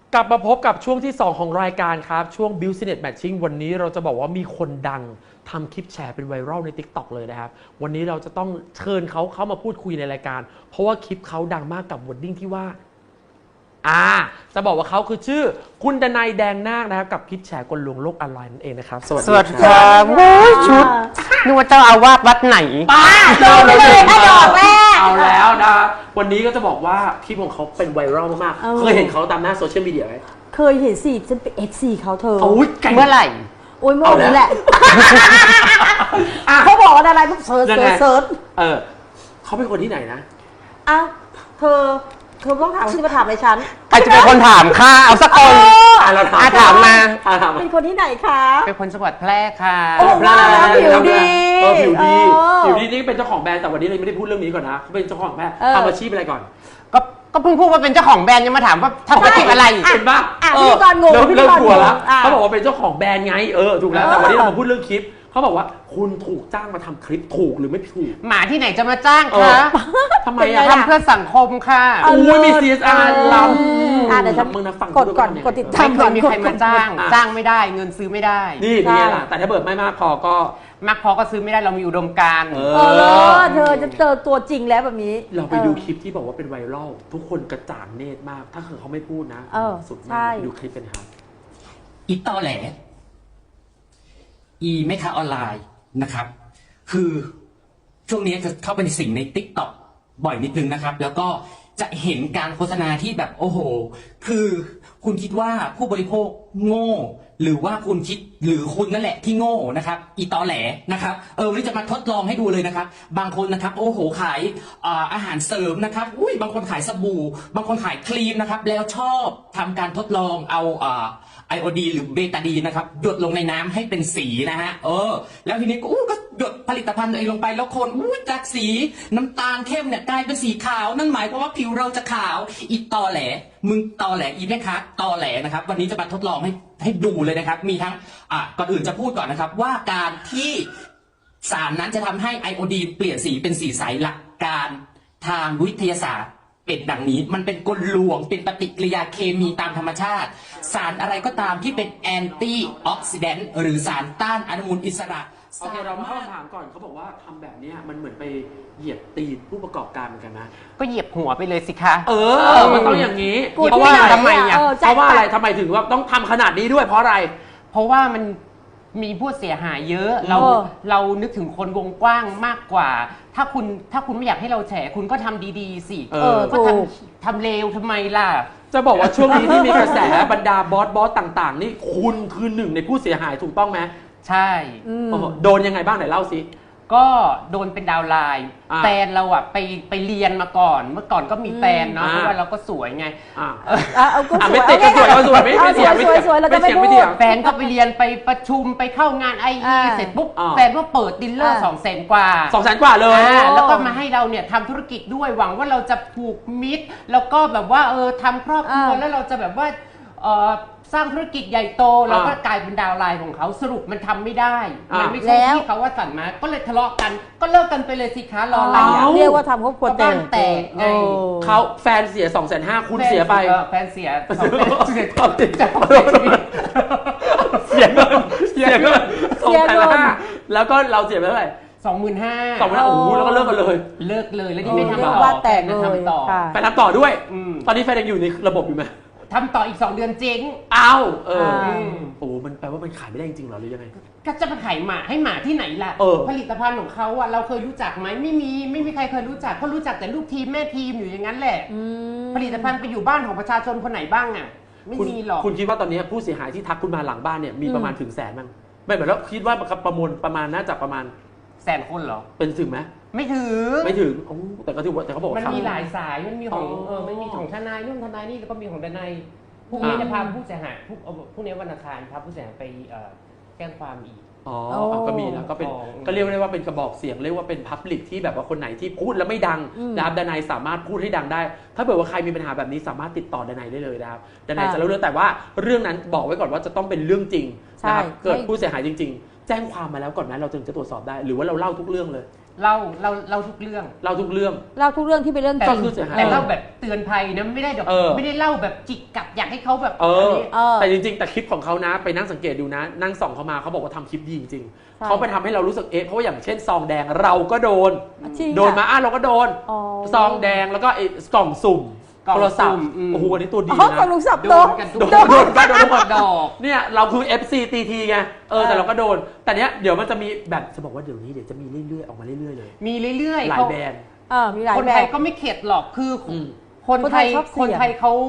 กลับมาพบกับช่วงที่ 2 ของรายการครับ ช่วง Business Matching วันนี้เราจะบอกว่ามีคนดังทำคลิปแชร์เป็นไวรัลใน TikTok เลยนะครับ วันนี้เราจะต้องเชิญเขาเข้ามาพูดคุยในรายการ เพราะว่าคลิปเขาดังมากกับวอร์ดดิ้งที่ว่าจะบอกว่าเขาคือชื่อคุณดนัยแดงนาคนะครับกับคลิปแชร์กลลวงโลกออนไลน์นั่นเองนะครับสวัสดีครับโอ้ยชุดนึกว่าเจ้าอาวาสวัดไหนป้าเราเลยถ้าดอกแรกเอาแล้วนะวันนี้ก็จะบอกว่าคลิปของเขาเป็นไวรัลมากๆเคยเห็นเขาตามหน้าโซเชียลมีเดียไหมเคยเห็นสิฉันเป็น FC เขาเธอเมื่อไหร่โอ้ยเมื่อนี้แหละเขาบอกว่าอะไรพวกเซิร์ชเขาเป็นคนที่ไหนนะเธอต้องถามที่มาถามในฉันใครจะเป็นคนถามค่ะเอาสักคนเราถามมาเป็นคนที่ไหนคะเป็นคนจังหวัดแพร่ค่ะผิวดีผิวดีนี่เป็นเจ้าของแบรนด์แต่วันนี้เราไม่ได้พูดเรื่องนี้ก่อนนะเขาเป็นเจ้าของแบรนด์ทำอาชีพอะไรก่อนก็เพิ่งพูดว่าเป็นเจ้าของแบรนด์ยังมาถามว่าทำอาชีพอะไรเห็นปะพี่กรณ์งงเริ่มกลัวแล้วเขาบอกว่าเป็นเจ้าของแบรนด์ไงถูกแล้วแต่วันนี้เรามาพูดเรื่องคลิปเขาบอกว่าคุณถูกจ้างมาทำคลิปถูกหรือไม่ถูกหมาที่ไหนจะมาจ้างคะทำไมทำเพื่อสังคมค่ะอุ้ยมี CSR ล้ำเดี๋ยวฉันมึงนะฟังกดติดตามไม่เคยมีใครมาจ้างไม่ได้เงินซื้อไม่ได้นี่เป็นไงล่ะแต่ถ้าเบิดไม่มากพอก็ซื้อไม่ได้เรามีอุดมการณ์เธอจะเจอตัวจริงแล้วแบบนี้เราไปดูคลิปที่บอกว่าเป็นไวรัลทุกคนกระจ่างเนตรมากถ้าเขาไม่พูดนะสุดมากดูคลิปเป็นครับอีตอแหลอีแม่ค้าออนไลน์นะครับคือช่วงนี้จะเข้าไปในสิ่งใน TikTok บ่อยนิดนึงนะครับแล้วก็จะเห็นการโฆษณาที่แบบโอ้โหคือคุณคิดว่าผู้บริโภคโง่หรือว่าคุณคิดหรือคุณนั่นแหละที่โง่นะครับอีตอแหลนะครับวันนี้จะมาทดลองให้ดูเลยนะครับบางคนนะครับโอ้โหขายอาหารเสริมนะครับบางคนขายสบู่บางคนขายครีมนะครับแล้วชอบทำการทดลองเอาไอโอดีหรือเบตาดีนะครับหยดลงในน้ำให้เป็นสีนะฮะแล้วทีนี้ก็หยดผลิตภัณฑ์ตัวเองลงไปแล้วคนจากสีน้ำตาลเข้มเนี่ยกลายเป็นสีขาวนั่นหมายความว่าผิวเราจะขาวอีตอแหลมึงตอแหลอีแม่ค้าตอแหลนะครับวันนี้จะมาทดลองให้ดูเลยนะครับมีทั้งก่อนอื่นจะพูดก่อนนะครับว่าการที่สารนั้นจะทำให้ไอโอดีนเปลี่ยนสีเป็นสีใสหลักการทางวิทยาศาสตร์เป็นดังนี้มันเป็นกลลวงเป็นปฏิกิริยาเคมีตามธรรมชาติสารอะไรก็ตามที่เป็นแอนตี้ออกซิแดนต์หรือสารต้านอนุมูลอิสระโอเคเรามาเข้าคำถามก่อนเขาบอกว่าทำแบบนี้มันเหมือนไปเหยียบตีนผู้ประกอบการเหมือนกันนะก็เหยียบหัวไปเลยสิคะมันต้องอย่างนี้เพราะว่าทำไมทำไมถึงว่าต้องทำขนาดนี้ด้วยเพราะอะไรเพราะว่ามันมีผู้เสียหายเยอะเรานึกถึงคนวงกว้างมากกว่าถ้าคุณไม่อยากให้เราแฉคุณก็ทำดีๆสิก็ทำเลวทำไมล่ะจะบอกว่าช่วงนี้ที่มีกระแสบรรดาบอสต่างๆนี่คุณคือหนึ่งในผู้เสียหายถูกต้องไหมใช่โดนยังไงบ้างไหนเล่าสิก็โดนเป็นดาวไลน์แฟนเราอะไปเรียนมาก่อนเมื่อก่อนก็มีแฟนเนาะเพราะว่าเราก็สวยไงไม่ติดก็สวยไม่เสียงไม่เสียงแฟนก็ไปเรียนไปประชุมไปเข้างานIEเสร็จปุ๊บแฟนก็เปิดดิลเลอร์200,000 กว่า 200,000 กว่าเลยแล้วก็มาให้เราเนี่ยทำธุรกิจด้วยหวังว่าเราจะผูกมิตรแล้วก็แบบว่าทำครอบครัวแล้วเราจะแบบว่าสร้างธุรกิจใหญ่โตแล้วก็กลายเป็นดาวไลน์ของเขาสรุปมันทำไม่ได้มันไม่ใช่ที่เขาว่าสั่งมาก็เลยทะเลาะกันก็เลิกกันไปเลยสิคะรออะไรเรียกว่าทำครอบครัวแตกไงเขาแฟนเสีย250,000คุณเสียไปแฟนเสีย 200,000เสียเงิน250,000แล้วก็เราเสียไปเท่าไหร่ 25,000 โอ้โหแล้วก็เลิกกันเลยแล้วนี่ไม่ทำต่อว่าแตกเลยไปทำต่อด้วยตอนนี้แฟนยังอยู่ในระบบอยู่ไหมทำต่ออีก2 เดือนเจ๊งโอ้มันแปลว่ามันขายไม่ได้จริงหรอหรือยังไงก็จะมาขายหมาให้หมาที่ไหนล่ะผลิตภัณฑ์ของเขาอะเราเคยรู้จักไหมไม่มีใครเคยรู้จักเขารู้จักแต่ลูกทีมแม่ทีมอยู่อย่างนั้นแหละผลิตภัณฑ์ไปอยู่บ้านของประชาชนคนไหนบ้างอะไม่มีหรอกคุณคิดว่าตอนนี้ผู้เสียหายที่ทักคุณมาหลังบ้านเนี่ยมีประมาณถึง100,000มั้งไม่เหมือนแล้วคิดว่าประมวลประมาณน่าจะประมาณ 100,000 คนเหรอเป็นถึงไหมไม่ถึงแต่ก็ถือว่าแต่เขาบอกมันมีหลายสายมันมีของทนายนู่นทนายนี่แล้วก็มีของทนายพรุ่งนี้จะพาผู้เสียหายพรุ่งนี้วันอังคารพาผู้เสียหายไปแจ้งความอีกก็มีแล้วก็เป็นก็เรียกได้ว่าเป็นกระบอกเสียงเรียกว่าเป็นพับลิกที่แบบว่าคนไหนที่พูดแล้วไม่ดังนะครับดนัยสามารถพูดให้ดังได้ถ้าเกิดว่าใครมีปัญหาแบบนี้สามารถติดต่อดนัยได้เลยนะครับดนัยจะเล่าเรื่องแต่ว่าเรื่องนั้นบอกไว้ก่อนว่าจะต้องเป็นเรื่องจริงนะครับเกิดผู้เสียหายจริงๆแจ้งความมาแล้วก่อนไหมเราถึงจะตรวจสอบได้หรือว่าเราเล่าทุกเรื่องเลยเล่าทุกเรื่องเราทุกเรื่องเล่าทุกเรื่องที่เป็นเรื่องแต่จริงคือเสียหายแต่เล่าแบบเตือนภัยนะไม่ได้แบบ ไม่ได้เล่าแบบจิกกัดอยากให้เขาแบบอนี้แต่จริงๆแต่คลิปของเขานะไปนั่งสังเกตดูนะ นั่งส่องเขามาเขาบอกว่าทำคลิปดีจริงใช่ๆเขาไปทำให้เรารู้สึกเพราะว่าอย่างเช่นซองแดงเราก็โดนจริงโดนมาเราก็โดนอ๋อซองแดงแล้วก็ไอ้กล่องสุ่มกล่องโทรศัพท์สุ่มอืมโอ้โหอันนี้ตัวดีอ๋อนะกับลุงสับโดโดนนกันทุกโดนทุกคนดอกเนี่ยเราคือ FC TT ไงแต่เราก็โดน แต่เนี้ยเดี๋ยวมันจะมีแบบจะบอกว่าเดี๋ยวนี้เดี๋ยวจะมีเรื่อยๆออกมาเรื่อยๆเลยมีเรื่อยๆหลายแบรนด์มีหลายคนแบไทบยก็ไม่เข็ดหรอกคืออมคนไทยคนไทยชอบเสี่ยงคนไทยเขา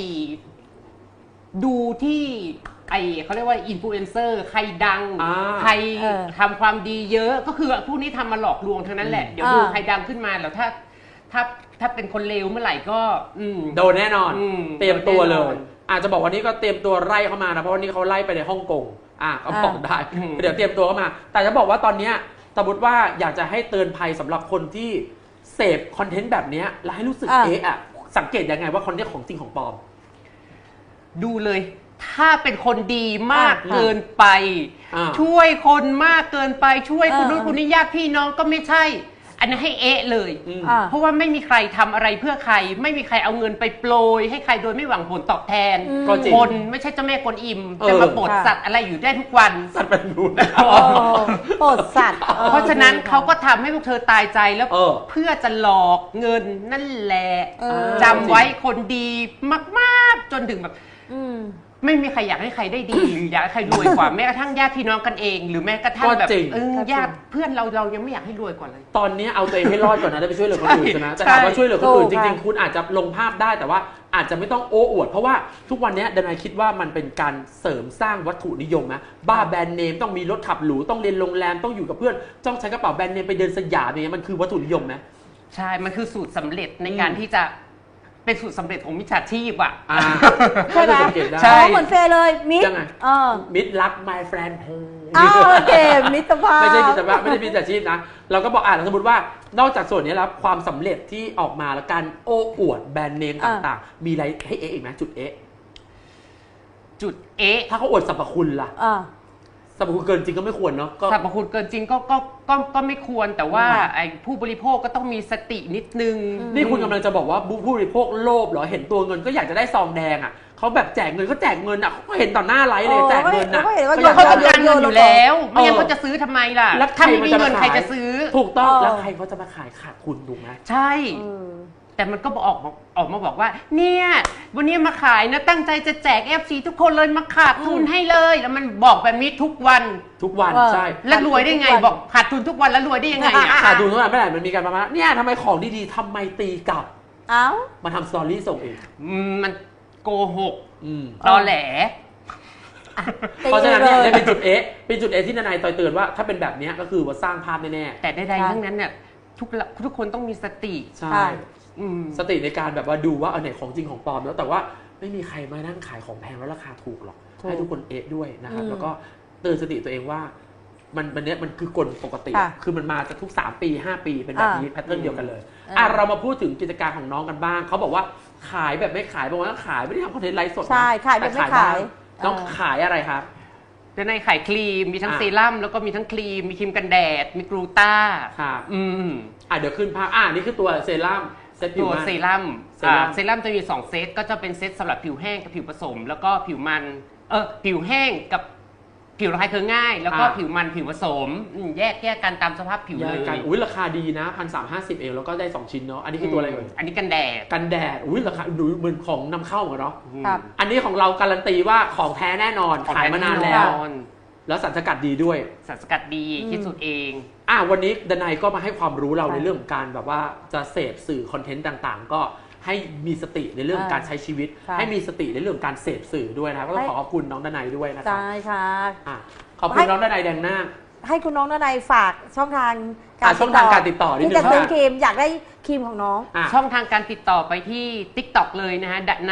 ดูที่เขาเรียกว่าอินฟลูเอนเซอร์ใครดัง ใครทำความดีเยอะก็คือพวกนี้ทำมาหลอกลวงทั้งนั้นแหละเดี๋ยวดูใครดังขึ้นมาแล้วถ้าเป็นคนเลวเมื่อไหร่ก็โดนแน่นอน เตรียมตัวเลโดนแน่ยนอนอาจจะบอกวันนี้ก็เตรียมตัวไล่เข้ามานะเพราะวันนี้เขาไล่ไปในฮ่องกงก็บอกได้ เดี๋ยวเตรียมตัวเข้ามา แต่จะบอกว่าตอนเนี้ยสมมติว่าอยากจะให้เตือนภัยสำหรับคนที่เสพคอนเทนต์แบบเนี้ยแล้วให้รู้สึกสังเกตยังไงว่าคอนเทนต์ของจริงของปลอมดูเลย ถ้าเป็นคนดีมากเกินไปอ่าช่วยคนมากเกินไปช่วยคนนู้นคนนี้ญาติพี่น้องก็ไม่ใช่ อันนั้นให้เลย เพราะว่าไม่มีใครทำอะไรเพื่อใคร ไม่มีใครเอาเงินไปโปรยให้ใครโดยไม่หวังผลตอบแทนก็จริงคนไม่ใช่เจ้าแม่กวนอิมจะมาโปรดสัตว์อะไรอยู่ได้ทุกวันสัตว์เป็นรูนโปรดสัตว์เพราะฉะนั้นเขาก็ทำให้พวกเธอตายใจแล้วเออเพื่อจะหลอกเงินนั่นแหละเออจำไว้คนดีมากๆ จนถึงแบบอืมไม่มีใครอยากให้ใครได้ดี หรืออยากให้ใครรวยกว่า แม้กระทั่งญาติพี่น้องกันเอง หรือแม้กระทั่งแบบก็จริงญาติเพื่อนเรายังไม่อยากให้รวยกว่าเลยตอนนี้เอาตัวเองให้รอดก่อนนะได้ไปช่วยเหลือคนอื่นนะใช่แต่ถามว่าช่วยเหลือคนอื่นถูจกริงค่ะๆคุณอาจจะลงภาพได้แต่ว่าอาจจะไม่ต้องโอ้อวด เพราะว่าทุกวันนี้ดนายคิดว่ามันเป็นการเสริมสร้างวัตถุนิยมนะบ้าแบรนด์เนมต้องมีรถขับหรูต้องเรียนโรงแรมต้องอยู่กับเพื่อนต้องใช้กระเป๋าแบรนด์เนมไปเดินสยามอย่างเงี้ยมันคือวัตถุนิยมไหมใช่ มันคือสูตรสำเร็จในการที่จะเป็นสูตรสำเร็จของมิจฉาชีพอ่ะใช่ไหมสังเกตได้ใช่เหมือนเฟย์เลยมิดยังไง มิตรรัก my friend โอเคมิตรภาพไม่ใช่มิตรภาพไม่ได้มิจฉาชีพนะ เราก็บอกสมมติว่านอกจากส่วนนี้แล้วความสำเร็จที่ออกมาแล้วการโอ้อวดแบรนด์เนมต่างๆ มีอะไรให้อีกไหมจุดจุดถ้าเขาอวดสรรพคุณล่ะ สรรพคุณเกินจริงก็ไม่ควรเนาะสรรพคุณเกินจริงก็ไม่ควรแต่ว่าไอ้ผู้บริโภคก็ต้องมีสตินิดนึงนี่คุณกำลังจะบอกว่าผู้บริโภคโลภเหรอเห็นตัวเงินก็อยากจะได้ซองแดงอ่ะเขาแบบแจกเงินก็แจกเงินอ่ะเขาก็เห็นต่อหน้าไลฟ์เลยแจกเงินอ่ะเขาต้องการเงินอยู่แล้วไม่งั้นเขาจะซื้อทำไมล่ะแล้วใครถ้าไม่มีมันจะเงินมาใครขายจะซื้อถูกต้องแล้วใครเขาจะมาขายขาดทุนถูกไหมใช่ แต่มันก็ออกมาบอกว่าเนี่ยวันนี้มาขายนะตั้งใจจะแจก FC ทุกคนเลยมาขาดทุนให้เลยแล้วมันบอกแบบนี้ทุกวันใช่แล้วรวยได้ไงบอกขาดทุนทุกวันแล้วรวยได้ยังไงอ่ะขาดทุนเท่าไหร่ไม่ได้มันมีการประมาณเนี่ยทำไมของดีๆทำไมตีกลับเอ้ามาทำสตอรี่ส่งเองมันโกหกอืมตอแหลเพราะฉะนั้นเนี่ยเป็นจุดเป็นจุดที่นายต่อยเตือนว่าถ้าเป็นแบบนี้ก็คือว่าสร้างภาพแน่ๆแต่ใดๆทั้งนั้นเนี่ยทุกคนต้องมีสติใช่อืมสติในการแบบว่าดูว่าอันไหนของจริงของปลอมแล้วแต่ว่าไม่มีใครมานั่งขายของแพงแล้วราคาถูกหรอกให้ทุกคนด้วยนะครับแล้วก็เตือนสติตัวเองว่ามันเนี้ยมันคือกลปกติ คือมันมาจากทุก3ปี5ปีเป็นแบบนี้แพทเทิร์นเดียวกันเลยเรามาพูดถึงกิจการของน้องกันบ้างเขาบอกว่าขายแบบไม่ขายบอกว่าขายไม่ได้ทำคอนเทนต์ไลฟ์สดนะใช่ขายแบบไม่ขายน้องขายอะไรครับแล้วในขายครีมมีทั้งเซรั่มแล้วก็มีทั้งครีมมีครีมกันแดดมีกลูต้าครับมเดี๋ยวขึ้นภาพนี่คือตัวเซรั่มเซตผิตัว วมันเซรั่มเซรั่มเซรั่มจะมี2เซตก็จะเป็นเซตสำหรับผิวแห้งกับผิวผสม แล้วก็ผิวมันผิวแห้งกับผิวระคายเคืองง่าย แล้วก็ผิวมันผิวผสมแยกกันตามสภาพผิวเลยกันราคาดีนะ1,350เองแล้วก็ได้2ชิ้นเนาะอันนี้คือตัวอะไรเอ่ยอันนี้กันแดดกันแดดราคาดูเหมือนของนำเข้าเหมือนกันเนาะครับอันนี้ของเราการันตีว่าของแท้แน่นอนขายมานานแล้ว แล้วสารสกัดดีด้วยสารสกัดดีคิดสูตรเองวันนี้ดนัยก็มาให้ความรู้เราในเรื่องของการแบบว่าจะเสพสื่อคอนเทนต์ต่างๆ ก็ให้มีสติในเรื่องของการใช้ชีวิต ให้มีสติในเรื่องของการเสพสื่อด้วยนะครับก็ต้องขอบคุณน้องดนัยด้วยนะครับใช่ค่ะขอบคุณน้องดนัยแดงหน้าให้คุณน้องนายฝากช่องทางช่องทางการติดต่อนิดนึงที่จะซื้อครีมอยากได้ครีมของน้องช่องทางการติดต่อไปที่ TikTok เลยนะฮะใน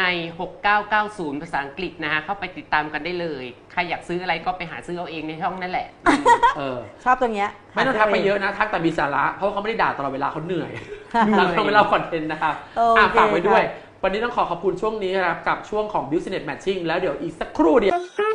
6990 ภาษาอังกฤษนะฮะเข้าไปติดตามกันได้เลย ใครอยากซื้ออะไรก็ไปหาซื้อเอาเองในช่องนั่นแหละชอบตรงเนี้ยไม่ต้องทักไปเยอะนะทักแต่มีสาระเพราะเขาไม่ได้ด่าตลอดเวลาเขาเหนื่อยเราต้องไปเล่าคอนเทนต์นะครับฝากไว้ด้วย วันนี้ต้องขอบคุณช่วงนี้นะครับกับช่วงของ Business Matching แล้วเดี๋ยวอีกสักครู่เดียว